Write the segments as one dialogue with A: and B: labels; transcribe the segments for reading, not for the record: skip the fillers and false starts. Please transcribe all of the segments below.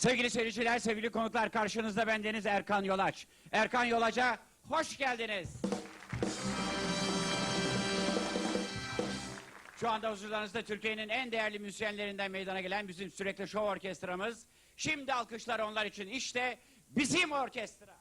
A: Sevgili seyirciler, sevgili konuklar, karşınızda bendeniz Erkan Yolaç. Erkan Yolaç'a hoş geldiniz. Şu anda huzurlarınızda Türkiye'nin en değerli müzisyenlerinden meydana gelen bizim sürekli şov orkestramız. Şimdi alkışlar onlar için. İşte bizim orkestra.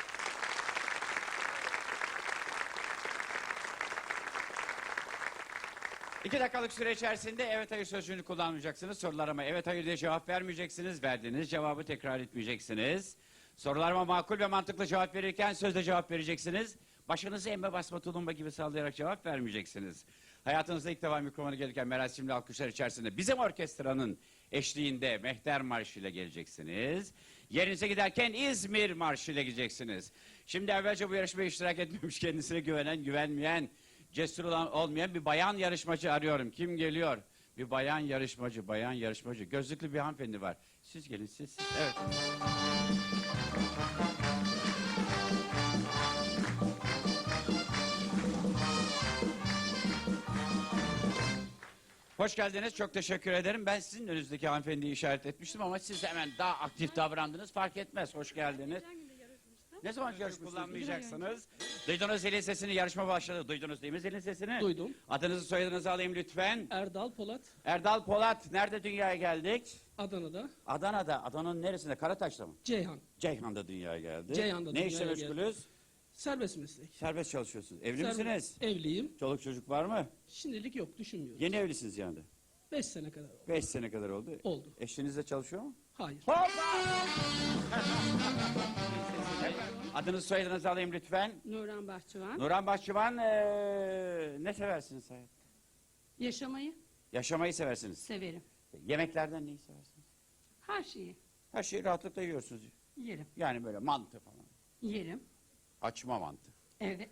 A: İki dakikalık süre içerisinde evet hayır sözcüğünü kullanmayacaksınız. Sorularıma evet hayır diye cevap vermeyeceksiniz. Verdiğiniz cevabı tekrar etmeyeceksiniz. Sorularıma makul ve mantıklı cevap verirken sözle cevap vereceksiniz. Başınızı emme basma tulumba gibi sallayarak cevap vermeyeceksiniz. Hayatınızda ilk defa mikrofona gelirken merasimli alkışlar içerisinde bizim orkestranın eşliğinde Mehter Marşı ile geleceksiniz. Yerinize giderken İzmir Marşı ile gideceksiniz. Şimdi evvelce bu yarışmaya iştirak etmemiş, kendisine güvenen, güvenmeyen, cesur olan olmayan bir bayan yarışmacı arıyorum. Kim geliyor? Bir bayan yarışmacı, bayan yarışmacı. Gözlüklü bir hanımefendi var. Siz gelin, siz. Evet. Hoş geldiniz. Çok teşekkür ederim. Ben sizin önünüzdeki hanımefendiyi işaret etmiştim ama siz hemen daha aktif davrandınız. Fark etmez. Hoş geldiniz. Ne zaman yarışma kullanmayacaksınız? Duydunuz zilin sesini, yarışma başladı. Duydunuz değil mi zilin sesini?
B: Duydum.
A: Adınızı soyadınızı alayım lütfen.
B: Erdal Polat.
A: Erdal Polat. Nerede dünyaya geldik?
B: Adana'da.
A: Adana'da. Adana'nın neresinde? Karataş'ta mı?
B: Ceyhan.
A: Ceyhan'da dünyaya geldi.
B: Ceyhan'da
A: ne
B: dünyaya
A: işle
B: geldi.
A: meşgulüz?
B: Serbest meslek.
A: Serbest çalışıyorsunuz. Evli misiniz?
B: Evliyim.
A: Çoluk çocuk var mı?
B: Şimdilik yok, düşünmüyorum.
A: Yeni evlisiniz yani.
B: 5 sene kadar oldu.
A: 5 sene kadar oldu.
B: Oldu.
A: Eşiniz de çalışıyor mu?
B: Hayır.
A: Hoppa! Adınızı soyadınızı alayım lütfen.
C: Nurhan Bahçıvan.
A: Nurhan Bahçıvan, ne seversiniz hayatta?
C: Yaşamayı
A: Yaşamayı seversiniz.
C: severim.
A: Yemeklerden neyi seversiniz?
C: Her şeyi
A: Her şeyi rahatlıkla yiyorsunuz.
C: yerim.
A: Yani böyle mantı falan.
C: Yerim.
A: Açma mantı.
C: Evet.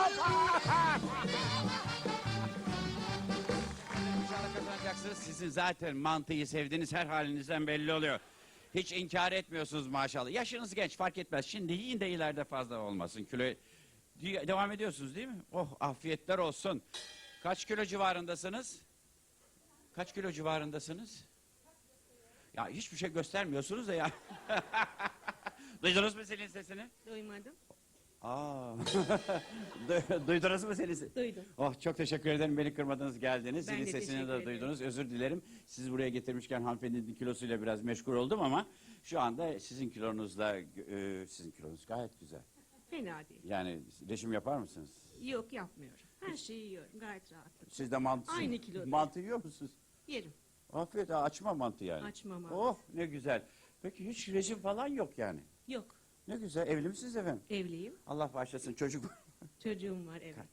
A: İnşallah kazanacaksınız. Sizin zaten mantıyı sevdiğiniz her halinizden belli oluyor. Hiç inkar etmiyorsunuz maşallah. Yaşınız genç fark etmez. Şimdi yiyin de ileride fazla olmasın. Kilo devam ediyorsunuz değil mi? Oh afiyetler olsun. Kaç kilo civarındasınız? Kaç kilo civarındasınız? Ya hiçbir şey göstermiyorsunuz da ya. Duydunuz mu senin sesini?
C: Duymadım.
A: Aa. Duydunuz mu senin sesini?
C: Duydum.
A: Oh çok teşekkür ederim beni kırmadınız geldiniz.
C: Ben
A: Zilin
C: de
A: sesini
C: teşekkür
A: de
C: ederim.
A: duydunuz. Özür dilerim. Sizi buraya getirmişken hanımefendinin kilosuyla biraz meşgul oldum ama şu anda sizin kilonuzla sizin kilonuz gayet güzel.
C: Fena değil.
A: Yani rejim yapar mısınız?
C: Yok yapmıyorum. Her şeyi yiyorum. Gayet rahatım.
A: Siz de mantı,
C: Aynı kiloda.
A: mantı yiyor musunuz?
C: Yerim.
A: Afiyet açma mantı yani.
C: Açma mantı.
A: Oh ne güzel. Peki hiç rejim falan yok yani.
C: Yok.
A: Ne güzel. Evli misiniz efendim?
C: Evliyim.
A: Allah bağışlasın çocuk.
C: Çocuğum var evet.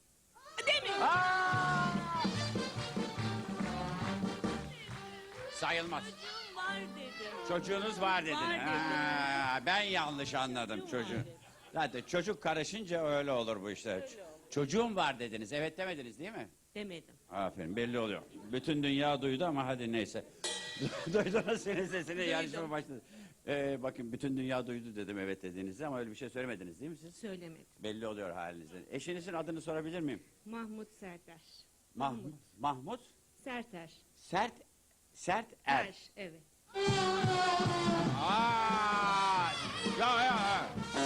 A: Sayılmaz.
C: Çocuğum var dedim.
A: Çocuğunuz var dedin.
C: Var dedim.
A: Ha, ben yanlış anladım çocuğu.
C: var dedim.
A: Zaten çocuk karışınca öyle olur bu işler.
C: Öyle olur.
A: Çocuğum var dediniz. Evet demediniz değil mi?
C: Demedim.
A: Aferin belli oluyor. Bütün dünya duydu ama hadi neyse. Duydunuz senin sesini
C: Duydum.
A: yarışma başladı. Bakın bütün dünya duydu dedim evet dediğinizde ama öyle bir şey söylemediniz değil mi siz?
C: Söylemedim.
A: Belli oluyor halinizden. Eşinizin adını sorabilir miyim?
C: Mahmut Serter.
A: Mahmut
C: Serter.
A: Sert Er.
C: Evet.
A: Aa! Ya.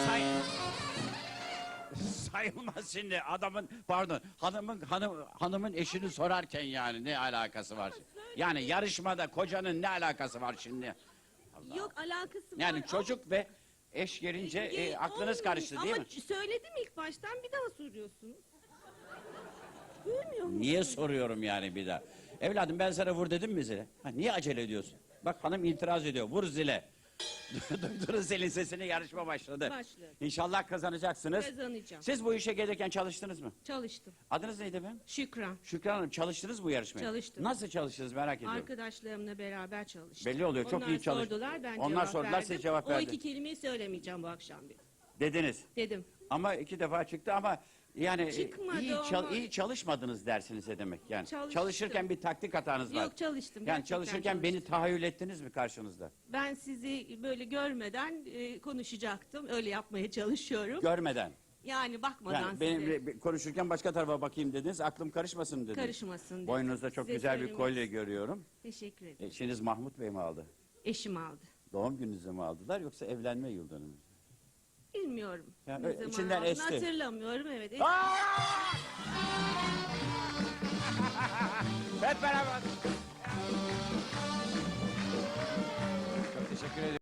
A: Sayılmaz şimdi adamın pardon hanımın eşini sorarken yani ne alakası var? Yani yarışmada kocanın ne alakası var şimdi?
C: Yok alakası var.
A: Yani çocuk ve eş gelince aklınız karıştı değil mi?
C: Ama söyledim ilk baştan bir daha soruyorsunuz. Duymuyor musun?
A: Niye soruyorum yani bir daha? Evladım ben sana vur dedim mi zile? Ha, niye acele ediyorsun? Bak hanım itiraz ediyor. Vur zile. Duydunuz zilin sesini yarışma başladı.
C: Başladı.
A: İnşallah kazanacaksınız.
C: Kazanacağım.
A: Siz bu işe gelirken çalıştınız mı?
C: Çalıştım.
A: Adınız neydi efendim?
C: Şükran.
A: Şükran Hanım çalıştınız bu yarışmaya?
C: Çalıştım.
A: Nasıl çalıştınız merak ediyorum.
C: Arkadaşlarımla beraber çalıştık.
A: Belli oluyor, çok iyi çalıştın.
C: Sordular, ben
A: Onlar
C: cevap
A: sordular,
C: verdim.
A: siz cevap
C: O
A: verdin.
C: iki kelimeyi söylemeyeceğim bu akşam bir.
A: Dediniz.
C: Dedim.
A: Ama 2 defa çıktı ama yani
C: Çıkmadı ama-
A: iyi çalışmadınız dersiniz ne demek yani.
C: Çalıştım.
A: Çalışırken bir taktik hatanız var.
C: Yok çalıştım.
A: Yani
C: gerçekten
A: çalışırken beni
C: çalıştım.
A: tahayyül ettiniz mi karşınızda?
C: Ben sizi böyle görmeden konuşacaktım. Öyle yapmaya çalışıyorum.
A: Görmeden.
C: Yani bakmadan
A: Yani
C: size.
A: benim konuşurken başka tarafa bakayım dediniz. Aklım karışmasın dediniz.
C: Karışmasın dedim.
A: Boynunuzda çok
C: Size
A: güzel bir
C: söylemek-
A: kolye görüyorum.
C: Teşekkür ederim.
A: Eşiniz Mahmut Bey mi aldı?
C: Eşim aldı.
A: Doğum gününüzü mü aldılar yoksa evlenme yıl dönümü?
C: Bilmiyorum.
A: Ya,
C: Ne zaman
A: içinden
C: aldığını
A: esti.
C: hatırlamıyorum. Evet.
A: Hep beraber. Çok teşekkür ederim.